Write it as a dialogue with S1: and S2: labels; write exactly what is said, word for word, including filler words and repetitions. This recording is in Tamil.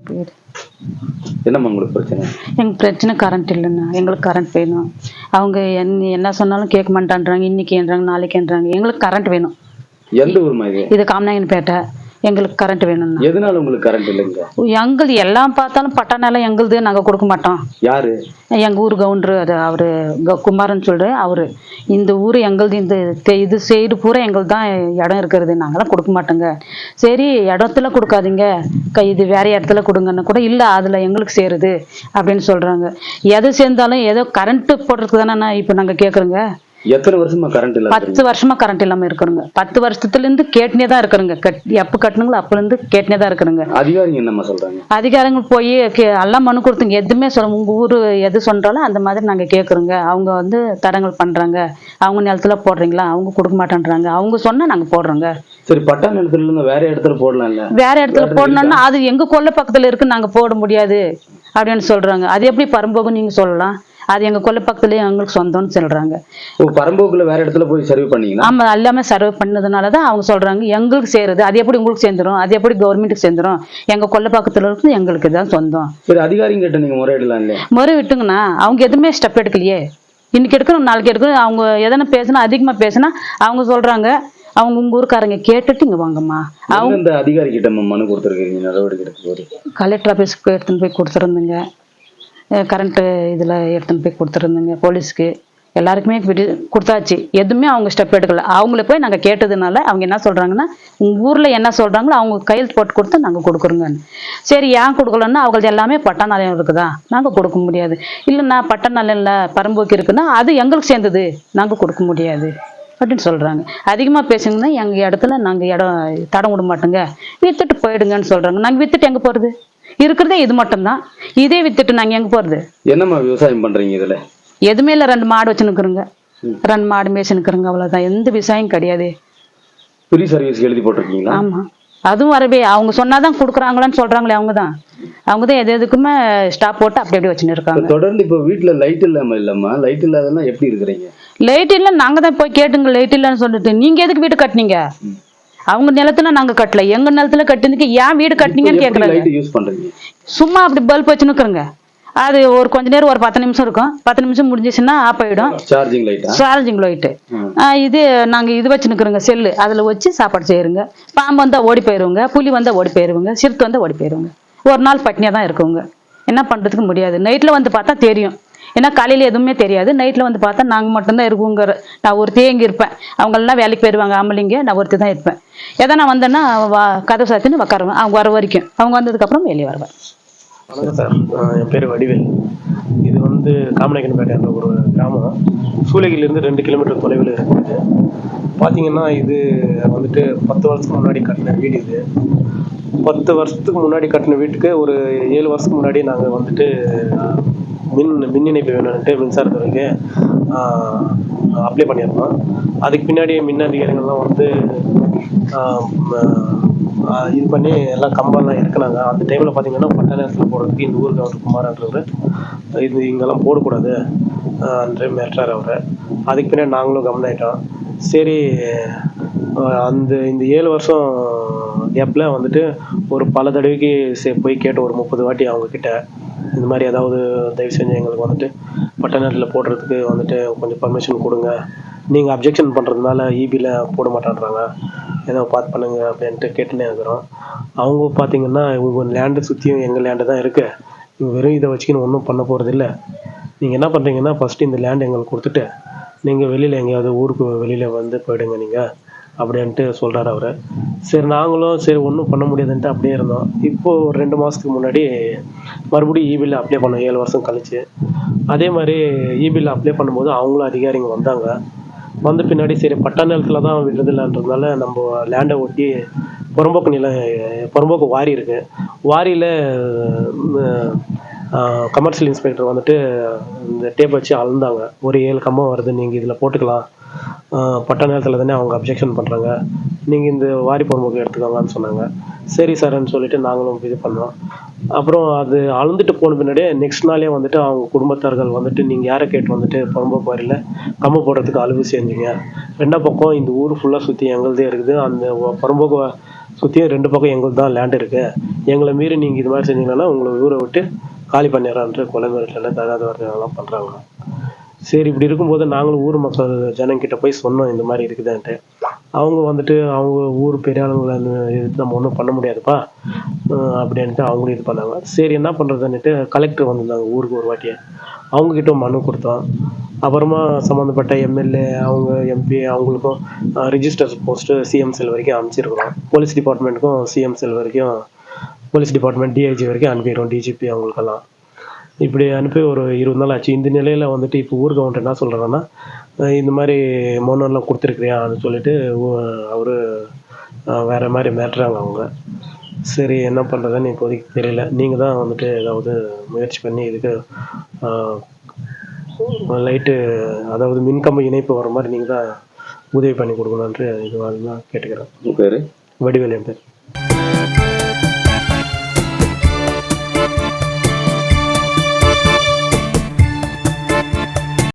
S1: பேர்.
S2: என்னம்மா உங்களுக்கு பிரச்சனை?
S1: எங்கள் பிரச்சனை கரண்ட் இல்லைண்ணா, எங்களுக்கு கரண்ட் வேணும். அவங்க என்ன என்ன சொன்னாலும் கேட்க மாட்டான்றாங்க, இன்னைக்குன்றாங்க நாளைக்குன்றாங்க. எங்களுக்கு கரண்ட் வேணும்.
S2: எந்த ஊர்மா இது?
S1: இது காமநாயக்கன்பேட்டை. எங்களுக்கு கரண்ட் வேணும்ண்ணா.
S2: எதனால உங்களுக்கு கரண்ட் இல்லைங்க?
S1: எங்களுது எல்லாம் பார்த்தாலும் பட்டானால எங்களுது நாங்கள் கொடுக்க மாட்டோம்.
S2: யாரு?
S1: எங்கள் ஊர் கவுண்டரு, அது அவரு குமாரன் சொல்ற அவரு. இந்த ஊர் எங்களுது, இந்த இது சைடு பூரா எங்களுக்கு தான் இடம் இருக்கிறது, நாங்களாம் கொடுக்க மாட்டோங்க. சரி இடத்துல கொடுக்காதீங்க, இது வேற இடத்துல கொடுங்கன்னு கூட இல்லை, அதில் எங்களுக்கு சேருது அப்படின்னு சொல்கிறாங்க. எது சேர்ந்தாலும் ஏதோ கரண்ட்டு போடுறதுக்கு தானே இப்போ நாங்கள் கேட்குறோங்க.
S2: எத்தனை வருஷமா கரண்ட் இல்ல?
S1: பத்து வருஷமா கரண்ட் இல்லாம இருக்கிறோங்க. பத்து வருஷத்துல இருந்து கேட்டுனே தான் இருக்கிறோங்க. எப்ப கட்டணுங்களோ அப்பல இருந்து கேட்டுனே தான் இருக்கிறோங்க.
S2: அதிகாரிங்க என்னமா சொல்றாங்க?
S1: அதிகாரிகள் போய் எல்லாம் மனு கொடுத்துங்க, எதுவுமே சொல்ல உங்க ஊரு எது சொல்றாலும் அந்த மாதிரி நாங்க கேட்குறோங்க. அவங்க வந்து தடங்கள் பண்றாங்க. அவங்க நிலத்துல போடுறீங்களா, அவங்க கொடுக்க மாட்டேன்றாங்க. அவங்க சொன்னா நாங்க போடுறோங்க.
S2: சரி, பட்டா நிலத்துல இருந்து வேற இடத்துல போடலாம்ல?
S1: வேற இடத்துல போடணும்னா அது எங்க கொல்லை பக்கத்துல இருக்கு, நாங்க போட முடியாது அப்படின்னு சொல்றாங்க. அது எப்படி பரம்போகம் நீங்க சொல்லலாம்? அது எங்க கொல்லை பக்கத்துலயே எங்களுக்கு சொந்தம்னு சொல்றாங்க.
S2: பரம்போக்குல வேற இடத்துல போய் சர்வே பண்ணீங்களா?
S1: ஆமா, எல்லாமே சர்வே பண்ணதுனாலதான் அவங்க சொல்றாங்க எங்களுக்கு சேருது. அது எப்படி உங்களுக்கு சேர்ந்துரும்? அது எப்படி கவர்மெண்ட்டுக்கு சேர்ந்துரும்? எங்க கொல்லை பக்கத்துல இருக்கு, எங்களுக்கு தான் சொந்தம்.
S2: சரி, அதிகாரிங்க கிட்ட நீங்க முறையிடலாம் இல்லையா?
S1: முறை விட்டுங்கண்ணா, அவங்க எதுவுமே ஸ்டெப் எடுக்கலையே. இன்னைக்கு எடுக்கணும் நாளைக்கு எடுக்கணும். அவங்க எதனா பேசினா அதிகமா பேசினா அவங்க சொல்றாங்க அவங்க உங்க ஊருக்காரங்க கேட்டுட்டு இங்க வாங்கம்மா. அவங்க
S2: இந்த அதிகாரி கிட்ட மனு கொடுத்துருக்கீங்க, நடவடிக்கை எடுக்க போது?
S1: கலெக்டர் ஆஃபீஸ்க்கு எடுத்துன்னு போய் கொடுத்துருந்துங்க, கரண்ட்டு இதில் எடுத்துன்னு போய் கொடுத்துருந்துங்க, போலீஸ்க்கு எல்லாருக்குமே கொடுத்தாச்சு. எதுவுமே அவங்க ஸ்டெப் எடுக்கல. அவங்கள போய் நாங்கள் கேட்டதுனால அவங்க என்ன சொல்கிறாங்கன்னா, உங்கள் ஊரில் என்ன சொல்கிறாங்களோ அவங்க கையெழுத்து போட்டு கொடுத்து நாங்கள் கொடுக்குறோங்கன்னு. சரி, ஏன் கொடுக்கலன்னா அவங்களுக்கு எல்லாமே பட்டா நிலையம் இருக்குதா, நாங்கள் கொடுக்க முடியாது. இல்லைண்ணா பட்டா நிலையம் இல்லை பரம்போக்கு இருக்குன்னா அது எங்களுக்கு சேர்ந்தது, நாங்கள் கொடுக்க முடியாது அப்படின்னு சொல்கிறாங்க. அதிகமாக பேசுங்கன்னா எங்கள் இடத்துல நாங்கள் இடம் தடம் விட மாட்டோங்க, விற்றுட்டு போயிடுங்கன்னு சொல்கிறாங்க. நாங்கள் விற்றுட்டு எங்கே போகிறது? இருக்கிறதே இது மட்டும்தான், இதே வித்துட்டு நாங்க எங்க போறது?
S2: என்னம்மா விவசாயம் பண்றீங்க இதுல?
S1: எதுவுமே இல்ல, ரெண்டு மாடு வச்சு நிக்கிறோங்க, ரெண்டு மாடு மேய்ச்சி நிக்கிறோங்க, அவ்வளவுதான். எந்த விவசாயம் கிடையாது.
S2: ஃப்ரீ சர்வீஸ் எழுதி போட்டிருக்கீங்களா?
S1: ஆமா, அதுவும் வரவே அவங்க சொன்னாதான் கொடுக்குறாங்களான்னு சொல்றாங்களே. அவங்கதான் அவங்கதான் எது எதுக்குமே ஸ்டாப் போட்டு அப்படி அப்படியே வச்சுன்னு இருக்காங்க.
S2: தொடர்ந்து இப்ப வீட்டுல லைட் இல்லாம இல்லம்மா, லைட் இல்லாதன்னா எப்படி இருக்கிறீங்க?
S1: லைட் இல்ல, நாங்க தான் போய் கேட்டுங்க லைட் இல்லன்னு சொல்லிட்டு. நீங்க எதுக்கு வீடு கட்டினீங்க? அவங்க நிலத்துல நாங்க கட்டல, எங்க நிலத்துல கட்டினதுக்கு ஏன் வீடு கட்டினீங்கன்னு கேக்குறாங்க. சும்மா அப்படி பல்ப் வச்சு நிக்கிறோங்க. அது ஒரு கொஞ்ச நேரம் ஒரு பத்து நிமிஷம் இருக்கும், பத்து நிமிஷம் முடிஞ்சிச்சுன்னா ஆஃப் ஆயிடும்.
S2: Charging light.
S1: Charging light. இது நாங்க இது வச்சு நிக்கிறோங்க, செல்லு அதுல வச்சு சாப்பாடு செய்யறோங்க. பாம்பு வந்தா ஓடி போயிருவோங்க, புலி வந்தா ஓடி போயிருவோங்க, சிறுத்தை வந்தா ஓடி போயிருவோங்க. ஒரு நாள் பட்னியா தான் இருக்குங்க, என்ன பண்றதுக்கு முடியாது. நைட்ல வந்து பார்த்தா தெரியும், ஏன்னா காலையில எதுவுமே தெரியாது. நைட்ல வந்து பார்த்தா நாங்க மட்டும்தான் இருக்குங்கிற. நான் ஒருத்தையே இங்க இருப்பேன், அவங்க எல்லாம் வேலைக்கு போயிருவாங்க ஆம்பளைங்க, நான் ஒருத்தி தான் இருப்பேன். எதனா வந்தேன்னா கதவு சாத்தின்னு உட்காருவேன், அவங்க வர வரைக்கும். அவங்க வந்ததுக்கு அப்புறம் வெளியே வருவேன்.
S3: வணக்கம் சார், என் பேர் வடிவேல். இது வந்து காமநாயக்கன்பேட்டை ஒரு கிராமம், சூளகிரிலிருந்து ரெண்டு கிலோமீட்டர் தொலைவில் இருக்குது. பார்த்தீங்கன்னா இது வந்துட்டு பத்து வருஷத்துக்கு முன்னாடி கட்டின வீடு. இது பத்து வருஷத்துக்கு முன்னாடி கட்டின வீட்டுக்கு ஒரு ஏழு வருஷத்துக்கு முன்னாடி நாங்கள் வந்துட்டு மின் மின் இணைப்பு வேணும்னுட்டு மின்சாரத்துறைக்கு அப்ளை பண்ணியிருந்தோம். அதுக்கு பின்னாடி மின் அதிகாரிகள்லாம் வந்து இது பண்ணி எல்லாம் கம்பெல்லாம் இருக்குனாங்க. அந்த டைமில் பார்த்தீங்கன்னா பட்டா நேரத்தில் போடுறதுக்கு இந்த ஊருக்கு அவர் குமாரன்றவர் இது இங்கெல்லாம் போடக்கூடாது அன்று மிரட்டுறாரு அவர். அதுக்கு பின்னாடி நாங்களும் கவர்மெண்ட் சரி அந்த இந்த ஏழு வருஷம் கேப்பில் வந்துட்டு ஒரு பல தடவைக்கு சே போய் கேட்ட ஒரு முப்பது வாட்டி அவங்கக்கிட்ட இந்த மாதிரி ஏதாவது தயவு செஞ்சு எங்களுக்கு வந்துட்டு பட்டா நேரத்தில் போடுறதுக்கு வந்துட்டு கொஞ்சம் பர்மிஷன் கொடுங்க, நீங்கள் அப்ஜெக்ஷன் பண்ணுறதுனால இபியில் போட மாட்டேன்றாங்க, ஏதோ பார்த்து பண்ணுங்க அப்படின்ட்டு கேட்டுனே இருக்கிறோம். அவங்க பார்த்தீங்கன்னா உங்கள் லேண்டு சுற்றியும் எங்கள் லேண்டு தான் இருக்குது, இவங்க வெறும் இதை வச்சுக்கின்னு ஒன்றும் பண்ண போகிறது இல்லை, நீங்கள் என்ன பண்ணுறீங்கன்னா ஃபஸ்ட்டு இந்த லேண்டு எங்களுக்கு கொடுத்துட்டு நீங்கள் வெளியில் எங்கேயாவது ஊருக்கு வெளியில் வந்து போயிடுங்க நீங்கள் அப்படின்ட்டு சொல்கிறார் அவர். சரி நாங்களும் சரி ஒன்றும் பண்ண முடியாதுன்ட்டு அப்படியே இருந்தோம். இப்போது ஒரு ரெண்டு மாதத்துக்கு முன்னாடி மறுபடியும் இபியில் அப்ளை பண்ணோம், ஏழு வருஷம் கழிச்சு. அதே மாதிரி இபியில் அப்ளை பண்ணும்போது அவங்களும் அதிகாரிங்க வந்தாங்க. வந்த பின்னாடி சரி பட்டா நிலத்தில் தான் விடுறதில்லன்றதுனால நம்ம லேண்டை ஒட்டி புறம்போக்கு நிலம் புறம்போக்கு வாரி இருக்குது, வாரியில் கமர்ஷியல் இன்ஸ்பெக்டர் வந்துட்டு இந்த டேப் வச்சு அளந்தாங்க. ஒரு ஏழு கம்பம் வருது, நீங்கள் இதில் போட்டுக்கலாம், பட்டா நேரத்தில் தானே அவங்க அப்ஜெக்ஷன் பண்ணுறாங்க, நீங்கள் இந்த வாரி புறம்போக்கு எடுத்துக்கோங்கன்னு சொன்னாங்க. சரி சார்ன்னு சொல்லிட்டு நாங்களும் இது பண்ணோம். அப்புறம் அது அளந்துட்டு போன பின்னாடியே நெக்ஸ்ட் நாளே வந்துட்டு அவங்க குடும்பத்தார்கள் வந்துட்டு நீங்கள் யாரை கேட்டு வந்துட்டு புறம்போக்கு வாரியில் கம்பம் போடுறதுக்கு அலுவு செஞ்சீங்க, ரெண்டா பக்கம் இந்த ஊர் ஃபுல்லாக சுற்றி எங்களுதே இருக்குது, அந்த புறம்போக்கு சுற்றியும் ரெண்டு பக்கம் எங்களுக்கு தான் லேண்ட் இருக்குது, எங்களை மீறி நீங்கள் இது மாதிரி செஞ்சீங்கன்னா உங்களை ஊரை விட்டு காலி பண்ணிடுறான்ட்டு கொலை மிரட்டல் தகாத வார்த்தைகள்லாம் பண்ணுறாங்க. சரி, இப்படி இருக்கும்போது நாங்களும் ஊர் மக்கள் ஜனங்கிட்ட போய் சொன்னோம் இந்த மாதிரி இருக்குதுன்ட்டு. அவங்க வந்துட்டு அவங்க ஊர் பெரிய ஆளுங்களை இது நம்ம ஒன்றும் பண்ண முடியாதுப்பா அப்படின்ட்டு அவங்களும் இது பண்ணாங்க. சரி, என்ன பண்ணுறதுன்னுட்டு கலெக்டர் வந்திருந்தாங்க ஊருக்கு ஒரு வாட்டியை, அவங்கக்கிட்ட மனு கொடுத்தோம். அப்புறமா சம்மந்தப்பட்ட எம்எல்ஏ அவங்க எம்பி அவங்களுக்கும் ரிஜிஸ்டர் போஸ்ட்டு சிஎம் செல் வரைக்கும் அனுப்பிச்சிருக்கிறோம். போலீஸ் டிபார்ட்மெண்ட்டுக்கும் சிஎம் செல் வரைக்கும், போலீஸ் டிபார்ட்மெண்ட் டிஐஜி வரைக்கும் அனுப்பிடுறோம், டிஜிபி அவங்களுக்கெல்லாம். இப்படி அனுப்பி ஒரு இருபது நாள் ஆச்சு. இந்த நிலையில் வந்துட்டு இப்போ ஊர் கவுண்டர் என்ன சொல்கிறாங்கன்னா, இந்த மாதிரி மோனெல்லாம் கொடுத்துருக்குறியான்னு சொல்லிட்டு அவர் வேறு மாதிரி மிரட்டுறாங்க அவங்க. சரி, என்ன பண்ணுறதுன்னு இப்போதைக்கு தெரியல. நீங்கள் தான் வந்துட்டு ஏதாவது முயற்சி பண்ணி இதுக்கு லைட்டு, அதாவது மின்கம்பு இணைப்பு வர மாதிரி நீங்கள் தான் உதவி பண்ணி கொடுக்கணுன்ட்டு இது தான் கேட்டுக்கிறேன்.
S2: உங்கள் பேர்?
S3: வடிவேல் என் பேர்.